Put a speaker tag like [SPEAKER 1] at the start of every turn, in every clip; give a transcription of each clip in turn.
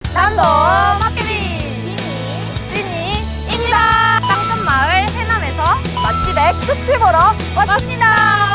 [SPEAKER 1] 남도 막개비 찐이입니다. 땅끝마을 해남에서 맛집의 끝을 보러 왔습니다.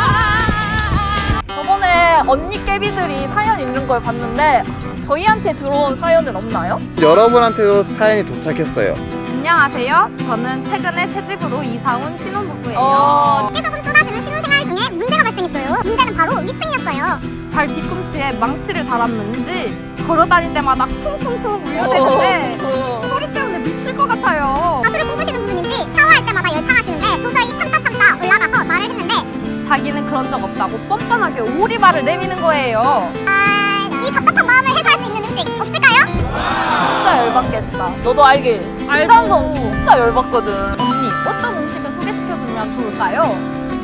[SPEAKER 1] 저번에 언니 깨비들이 사연 읽는 걸 봤는데 저희한테 들어온 사연은 없나요?
[SPEAKER 2] 여러분한테도 사연이 도착했어요.
[SPEAKER 1] 안녕하세요. 저는 최근에 새집으로 이사 온 신혼부부예요.
[SPEAKER 3] 계속으로 쏟아지는 신혼생활 중에 문제가 발생했어요. 문제는 바로 위층이었어요.
[SPEAKER 1] 발 뒤꿈치에 망치를 달았는지 걸어다닐 때마다 쿵쿵쿵 울려대는데 소리 때문에 미칠 것 같아요.
[SPEAKER 3] 가수를 꿈꾸시는 분인지 샤워할 때마다 열창하시는데 도저히 참다 올라가서 말을 했는데
[SPEAKER 1] 자기는 그런 적 없다고 뻔뻔하게 오리발을 내미는 거예요.
[SPEAKER 3] 이 답답한 마음을 해소할 수 있는 음식 없을까요?
[SPEAKER 1] 진짜 열받겠다. 너도 알길? 진단성 진짜 열받거든. 언니, 어떤 음식을 소개시켜주면 좋을까요?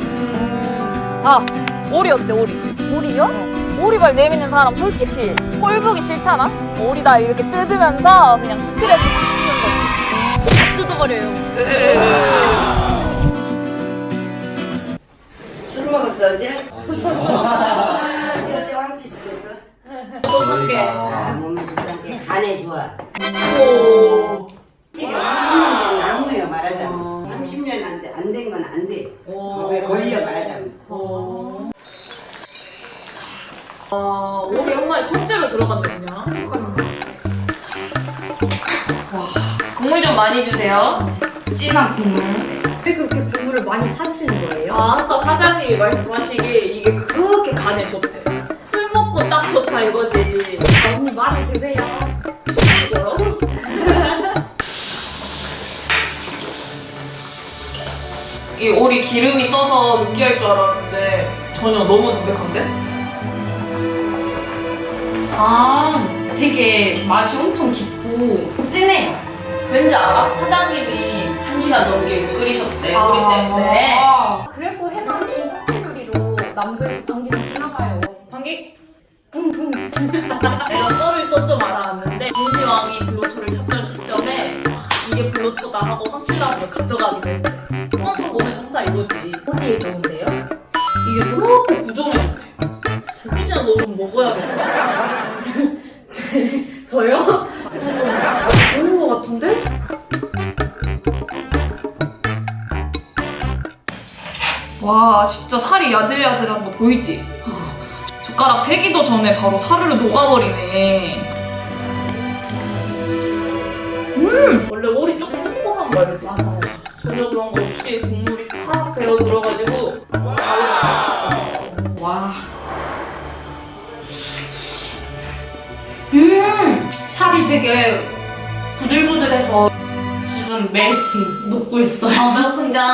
[SPEAKER 1] 오리 어때, 오리? 오리요? 오리발 내미는 사람 솔직히 꼴보기 싫잖아? 오리다 이렇게 뜯으면서 그냥 스트레스 푸는 거지. 뜯어버려요.
[SPEAKER 4] 술 먹었어 어제? 어제 왕치 시켰어?
[SPEAKER 1] 어떡해.
[SPEAKER 4] 몸에 좋다는 게 간에 좋아.
[SPEAKER 1] 오.
[SPEAKER 4] 지금 30년 나무예요 말하자면. 30년 안 된 건 안 돼. 왜 걸려 말하자면.
[SPEAKER 1] 오리 한 마리 통째로 들어간다 그냥.
[SPEAKER 5] 국물 좀 많이 주세요. 진한 국물.
[SPEAKER 1] 왜 그렇게 국물을 많이 찾으시는 거예요?
[SPEAKER 5] 아까 사장님이 말씀하시기에 이게 그렇게 간에 좋대. 술 먹고 딱 좋다 이거지.
[SPEAKER 1] 언니 많이 드세요.
[SPEAKER 5] 뭐라고? 이 오리 기름이 떠서 느끼할 줄 알았는데 전혀 너무 담백한데? 아, 되게 맛이 엄청 깊고 진해요. 왠지 알아? 사장님이 1시간 넘게 끓이셨대, 오리 때문에.
[SPEAKER 1] 그래서 해남이 화채 요리로 남들에서 당기는 하나 봐요.
[SPEAKER 5] 방귀? 내가 썰을 또 좀 알아왔는데 진시황이 불로초를 찾던 시점에 이게 불로초다 하고 황칠나무를 가져가게 됐대. 그만큼 몸에 좋다 이거지.
[SPEAKER 1] 어디에 좋은데요?
[SPEAKER 5] 이게 그렇게 부종에 좋대. 이제 너 좀 먹어야겠다.
[SPEAKER 1] 저요? 좋은 거 같은데?
[SPEAKER 5] 와 진짜 살이 야들야들한 거 보이지? 젓가락 대기도 전에 바로 사르르 녹아버리네. 원래 오리 조금 퍽퍽한 거 알지?
[SPEAKER 1] 맞아요.
[SPEAKER 5] 전혀 그런 거 없이 국물이 팍 배어 들어가지고 와.
[SPEAKER 6] 살이 되게 부들부들해서 지금 멜팅 녹고 있어요.
[SPEAKER 5] 아 배고픈다.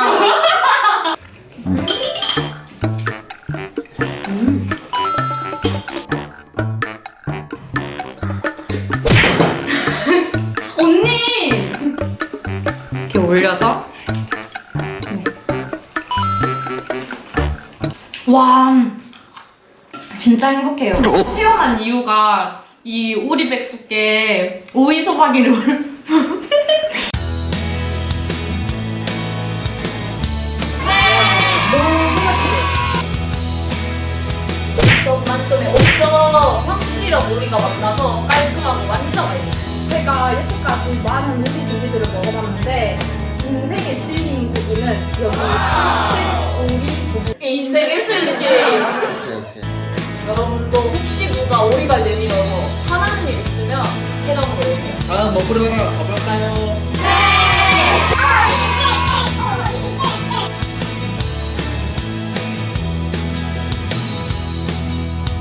[SPEAKER 6] 언니! 이렇게 올려서 와 진짜 행복해요. 태어난 이유가 이 오리백숙에 오이소박이를
[SPEAKER 5] 만점에 5점. 확실히랑 오리가 만나서 깔끔하고 완전 맛있어.
[SPEAKER 1] 제가 여태까지 많은 요리 조리들을 먹어봤는데 인생의 진리인 고기는 여기 오리 고기.
[SPEAKER 5] 인생의 진리. 여러분도 혹시 누가 오리발 내밀어서 화나는 일 있으면 해남으로 오세요.
[SPEAKER 2] 다음 먹으러 가볼까요?